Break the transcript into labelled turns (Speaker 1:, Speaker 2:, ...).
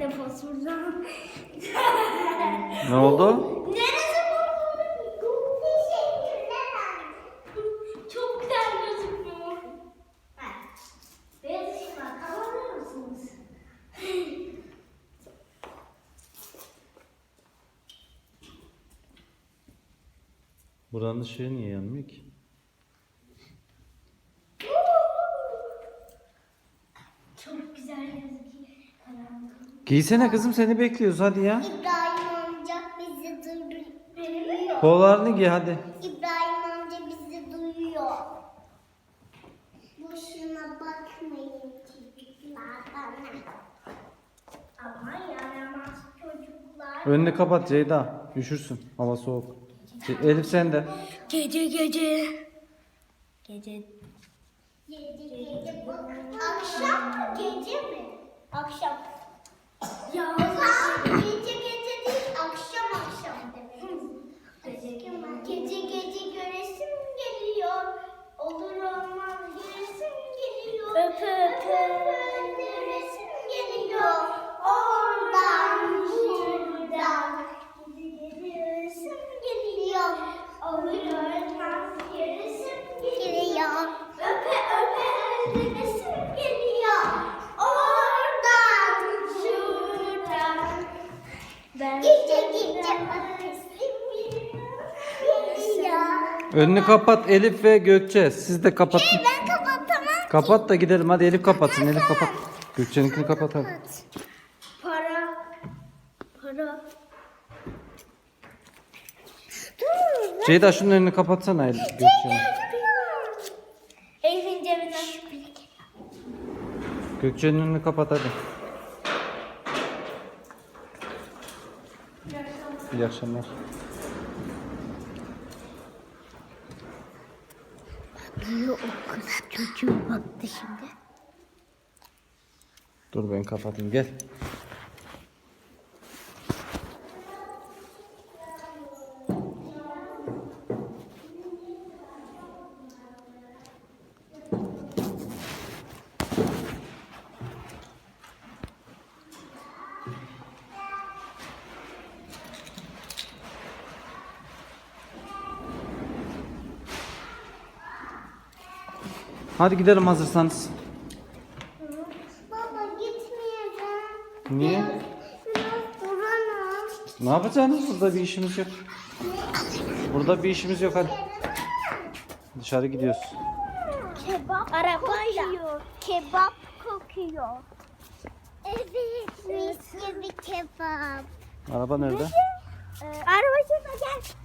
Speaker 1: Fosfordan.
Speaker 2: Ne oldu?
Speaker 1: Neresi bu? Teşekkürler anne. Çok güzel gözüküyor. Beyaz ışık var. Kapatır mısınız?
Speaker 2: Buranın ışığı niye yanmıyor ki?
Speaker 1: Çok güzel gözüküyor. Karanlık.
Speaker 2: Giysene kızım, seni bekliyoruz hadi ya.
Speaker 1: İbrahim amca bizi duyuyor.
Speaker 2: Kollarını giy hadi.
Speaker 1: İbrahim amca bizi duyuyor. Boşuna bakmayın çocuklar bana. Ama yaramaz çocuklar.
Speaker 2: Önünü kapat Ceyda. Üşürsün. Hava soğuk. Elif sen de.
Speaker 1: Gece. Gece. Akşam mı gece mi? Akşam. Ya gece değil akşam demek. Gece göresim geliyor. Olur olmaz göresim geliyor. Öpe göresim geliyor. Oradan buradan. Gece göresim geliyor. Olur olmaz göresim geliyor. Öpe göresim geliyor. Oradan şuradan. Gece öpesim geliyor.
Speaker 2: Önünü kapat Elif ve Gökçe. Siz de kapatın.
Speaker 1: Ben kapatamam.
Speaker 2: Kapat da gidelim hadi, Elif kapatsın. Elif kapat. Gökçe'ninkini kapat hadi.
Speaker 1: Para. Dur.
Speaker 2: Ceyda şunun önünü kapatsana Elif, Gökçe'nin.
Speaker 1: Elif'in cebinden.
Speaker 2: Gökçe'nin önünü kapat hadi. İyi akşamlar.
Speaker 1: O kız çocuğu baktı şimdi.
Speaker 2: Dur ben kapatayım, gel. Hadi gidelim hazırsanız.
Speaker 1: Baba gitmeyeceğim.
Speaker 2: Niye?
Speaker 1: Biraz duramam.
Speaker 2: Ne yapacaksınız? Burada bir işimiz yok. Burada bir işimiz yok hadi. Dışarı gidiyoruz.
Speaker 1: Kebap kokuyor. Kebap kokuyor. Evet, mis gibi kebap.
Speaker 2: Araba nerede?
Speaker 1: Araba şurada gel.